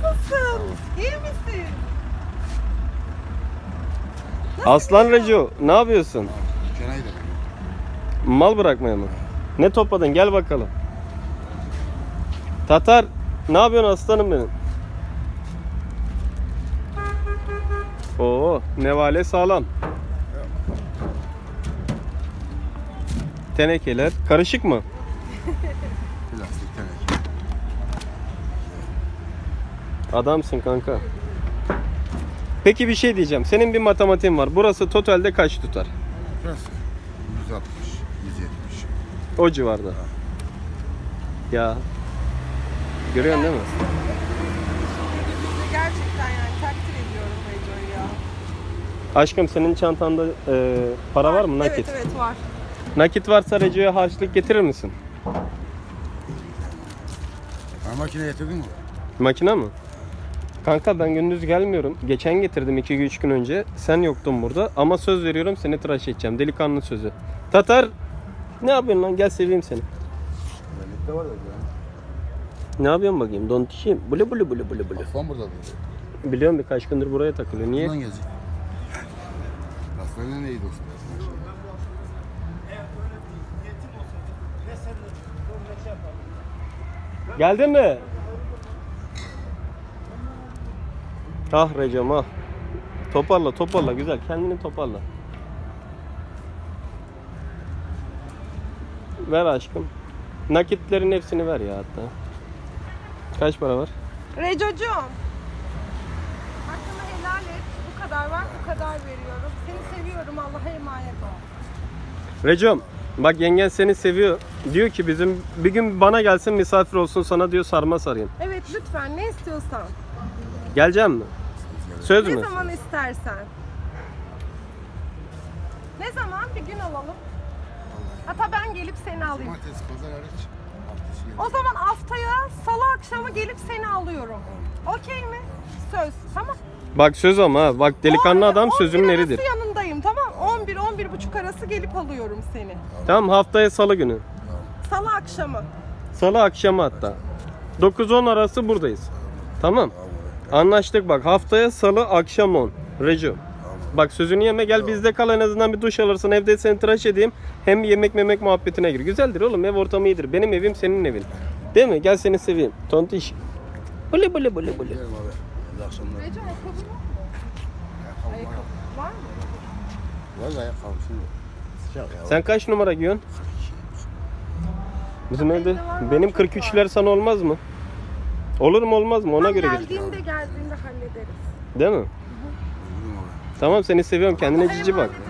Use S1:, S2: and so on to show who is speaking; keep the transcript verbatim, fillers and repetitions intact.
S1: Nasılsın? İyi misin?
S2: Aslan Reco, ne yapıyorsun?
S3: Kenayı da
S2: Mal bırakmaya mı? Ne topladın? Gel bakalım. Tatar, ne yapıyorsun aslanım benim? Oo, nevale sağlam. Tenekeler karışık mı?
S3: plastik teneke.
S2: Adamsın kanka. Peki bir şey diyeceğim. Senin bir matematiğin var. Burası totalde kaç tutar?
S3: Burası yüz altmış, yüz yetmiş.
S2: O civarda. Ya. Görüyorsun değil mi?
S1: Gerçekten yani takdir ediyorum Reco'yu ya.
S2: Aşkım senin çantanda e, para var mı nakit?
S1: Evet evet var.
S2: Nakit varsa Reco'ya harçlık getirir misin?
S3: Ha, makine getirdin mi?
S2: Makine mi? Kanka ben gündüz gelmiyorum. Geçen getirdim iki üç gün önce. Sen yoktun burada ama söz veriyorum seni tıraş edeceğim. Delikanlı sözü. Tatar ne yapıyorsun lan? Gel seveyim seni.
S3: Benlikte var da yani.
S2: Ne yapıyorsun bakayım? Dontişim. Bulu bulu bulu bulu bulu.
S3: Aslan burada dedi.
S2: Biliyorum birkaç gündür buraya takılıyor. Niye?
S3: Bundan gelecek. Aslanın iyi dostu.
S2: Geldin mi? Ah Recem ah. Toparla toparla güzel. Kendini toparla. Ver aşkım. Nakitlerin hepsini ver ya hatta. Kaç para var?
S1: Reco'cum. Hakkını helal et. Bu kadar var, bu kadar veriyorum. Seni seviyorum. Allah'a emanet ol.
S2: Recem bak yengen seni seviyor. Diyor ki bizim bir gün bana gelsin misafir olsun sana diyor sarma sarayım.
S1: Evet lütfen ne istiyorsan.
S2: Geleceğim mi? Söz
S1: Ne
S2: mü?
S1: zaman istersen. Ne zaman bir gün alalım. Hatta ben gelip seni alayım.
S3: Cumartesi, pazar hariç. Haftası gelir.
S1: O zaman haftaya salı akşamı gelip seni alıyorum. Okey mi? Söz. Tamam.
S2: Bak söz ama ha. Bak delikanlı
S1: on-
S2: adam
S1: on bir
S2: sözünün eridir.
S1: arası yanındayım tamam. on bir on bir buçuk arası gelip alıyorum seni.
S2: Tamam haftaya salı günü.
S1: Salı akşamı.
S2: Salı akşamı hatta. dokuz on arası buradayız. Tamam. Anlaştık bak haftaya salı akşam on. Reco. Bak sözünü yeme gel bizde kal en azından bir duş alırsın evde seni tıraş edeyim. Hem yemek memek muhabbetine gir. Güzeldir oğlum ev ortamı iyidir. Benim evim senin evin. Değil mi? Gel seni seveyim. Tontiş. Bule bule bule bule.
S3: Gidelim abi. İyi akşamlar.
S1: Recep ayakkabı var mı?
S3: Ayakkabı var.
S1: Ayakkabı var mı?
S3: Var da ayakkabı şimdi. Sıcak ya.
S2: Sen kaç numara giyiyorsun? Bizim evde benim kırk üçler sana olmaz mı? Olur mu olmaz mı? Ona
S1: Tam
S2: göre gel.
S1: geldiğinde geldiğinde hallederiz.
S2: Değil mi?
S3: Buyurun abi.
S2: Tamam seni seviyorum. Kendine
S1: Allah'a
S2: cici bak.
S1: emanet